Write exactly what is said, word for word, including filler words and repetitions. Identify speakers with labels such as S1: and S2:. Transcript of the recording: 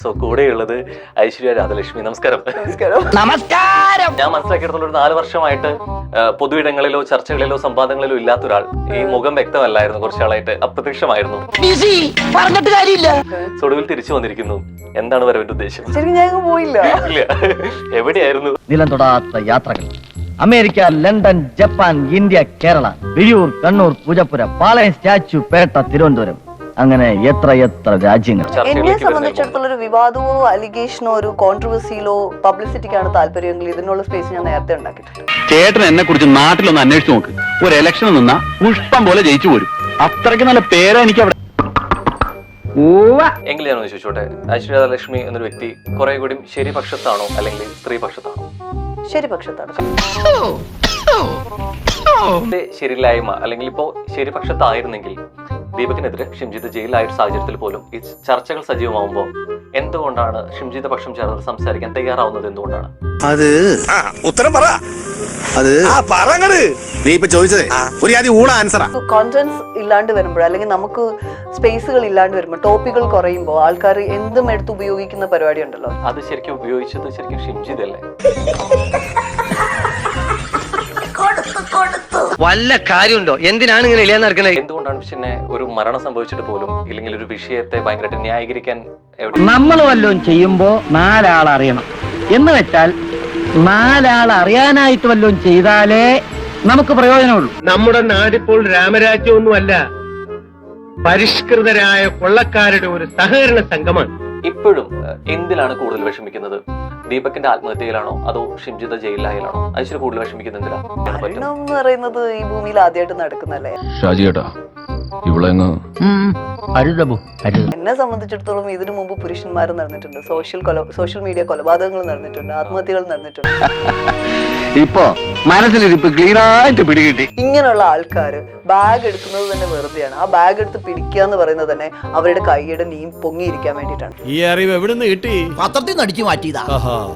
S1: So കൂടെയുള്ളത് ഐശ്വര്യ രാധലക്ഷ്മി. നമസ്കാരം.
S2: നമസ്കാരം. നമസ്കാരം.
S1: ഞാൻ മനസ്സിലാക്കിയെടുത്തുള്ള ഒരു നാല് വർഷമായിട്ട് പൊതുയിടങ്ങളിലോ ചർച്ചകളിലോ സംവാദങ്ങളിലോ ഇല്ലാത്ത ഒരാൾ. ഈ മുഖം വ്യക്തമല്ലായിരുന്നു, കുറച്ചാളായിട്ട് അപ്രത്യക്ഷമായിരുന്നു.
S2: പറഞ്ഞിട്ട് കാര്യമില്ല.
S1: ഒടുവിൽ തിരിച്ചു വന്നിരിക്കുന്നു. എന്താണ് വരവിന്റെ ഉദ്ദേശം?
S2: ശരിക്കും ഞാൻ പോയില്ല.
S1: ഇല്ല, എവിടെയായിരുന്നു?
S3: നിലം തൊടാത്ത യാത്രകൾ. America, London, Japan, India, Kerala, Vizhiyur, Kannur, Poojappura, Palayam, statue, Pettah, Thiruvananthapuram, അങ്ങനെ എത്ര എത്ര രാജ്യങ്ങൾ.
S2: എന്നെ സംബന്ധിച്ചിടത്തോളം ഒരു വിവാദമോ അലിഗേഷനോ ഒരു കോൺട്രവേഴ്സിയിലോ പബ്ലിസിറ്റിക്കാണ് താല്പര്യമെങ്കിൽ ഇതിനുള്ള സ്പേസ് ഞാൻ നേരത്തെ ഉണ്ടാക്കിയിട്ടുണ്ട്.
S4: ചേട്ടൻ എന്നെ കുറിച്ച് നാട്ടിലൊന്ന് അന്വേഷിച്ചു നോക്ക്. ഒരു ഇലക്ഷൻ നിന്നാ പുഷ്പം പോലെ ജയിച്ചു പോരും. അത്രയ്ക്ക് നല്ല പേരാ എനിക്ക് അവിടെ.
S1: എങ്കിൽ ഞാൻ ചോദിച്ചോട്ടെ, ഐശ്വര്യ രാധലക്ഷ്മി എന്നൊരു വ്യക്തി കുറെ കൂടി ശരി പക്ഷത്താണോ അല്ലെങ്കിൽ സ്ത്രീ പക്ഷത്താണോ?
S2: ശരി പക്ഷത്താണ്.
S1: ശരിയില്ലായ്മ അല്ലെങ്കിൽ ഇപ്പോ ശരി പക്ഷത്തായിരുന്നെങ്കിൽ ദീപകിനെതിരെ ഷിംജിത്ത് ജയിലായ ഒരു സാഹചര്യത്തിൽ പോലും ഈ ചർച്ചകൾ സജീവമാവുമ്പോൾ എന്തുകൊണ്ടാണ് ഷിംജിത്ത് പക്ഷം ചേർന്ന് സംസാരിക്കാൻ തയ്യാറാവുന്നത്? എന്തുകൊണ്ടാണ്?
S5: അത് ഉത്തരം പറ. അത് നീ ഇപ്പൊ ചോദിച്ചത് ഒരു ആദ്യം ഊള ആൻസറാ.
S2: കോൺഫിഡൻസ് ഇല്ലാണ്ട് വരുമ്പോൾ അല്ലെങ്കിൽ നമുക്ക് സ്പേസുകൾ ഇല്ലാണ്ട് വരുമ്പോൾ ടോപ്പിക്കുകൾ കുറയുമ്പോൾ ആൾക്കാർ എന്തും എടുത്ത് ഉപയോഗിക്കുന്ന പരിപാടി ഉണ്ടല്ലോ.
S1: അത് ശരിക്കും ഉപയോഗിച്ചത് ശരിക്കും ഷിംജിത്ത് അല്ലേ?
S6: വല്ല കാര്യമുണ്ടോ? എന്തിനാണ് ഇങ്ങനെ ഇല്ലാന്ന് നടക്കുന്നത്?
S1: എന്തുകൊണ്ടാണ് പിന്നെ ഒരു മരണം സംഭവിച്ചിട്ട് പോലും ഇല്ലെങ്കിൽ ഒരു വിഷയത്തെ ഭയങ്കരമായിട്ട് ന്യായീകരിക്കാൻ
S3: നമ്മൾ വല്ലതും ചെയ്യുമ്പോ നാലാൾ അറിയണം എന്ന് വെച്ചാൽ നാലാൾ അറിയാനായിട്ട് വല്ലതും ചെയ്താലേ നമുക്ക് പ്രയോജനമുള്ളൂ.
S6: നമ്മുടെ നാടിപ്പോൾ രാമരാജ്യമൊന്നുമല്ല, പരിഷ്കൃതരായ കൊള്ളക്കാരുടെ ഒരു സഹകരണ സംഘമാണ്.
S1: ഇപ്പോഴും എന്തിലാണ് കൂടുതൽ വിഷമിക്കുന്നത്? ദീപകിന്റെ ആത്മഹത്യയിലാണോ അതോ ഷിംജിത്ത് ജയിലിലായാലാണോ? ഐശ്വര്യ കൂടുതൽ വിഷമിക്കുന്നത് എന്തിനാ?
S2: മരണം എന്ന് പറയുന്നത് ഈ ഭൂമിയിൽ ആദ്യമായിട്ട് നടക്കുന്നല്ലേ.
S4: ഷാജിയേട്ടാ, ഇവളെങ്ങ്
S2: എന്നെ സംബന്ധിച്ചിടത്തോളം ഇതിനു മുമ്പ് പുരുഷന്മാർ നടന്നിട്ടുണ്ട്, സോഷ്യൽ കൊല സോഷ്യൽ മീഡിയ കൊലപാതകങ്ങൾ നടന്നിട്ടുണ്ട്, ആത്മഹത്യകൾ നടന്നിട്ടുണ്ട്.
S4: ഇപ്പൊ മനസ്സിലിരിപ്പ് ക്ലീനായിട്ട് പിടികിട്ടി.
S2: ഇങ്ങനെയുള്ള ആൾക്കാർ ബാഗ് എടുക്കുന്നത് തന്നെ വെറുതെയാണ്. ആ ബാഗ് എടുത്ത് പിടിക്കുക എന്ന് പറയുന്നത് തന്നെ അവരുടെ കൈയുടെ നീ പൊങ്ങിയിരിക്കാൻ വേണ്ടിയിട്ടാണ്.
S5: ഈ അറിവ് എവിടെ നിന്ന് കിട്ടി?
S7: പത്രത്തിൽ നിന്ന് അടിച്ചു മാറ്റിയതാ.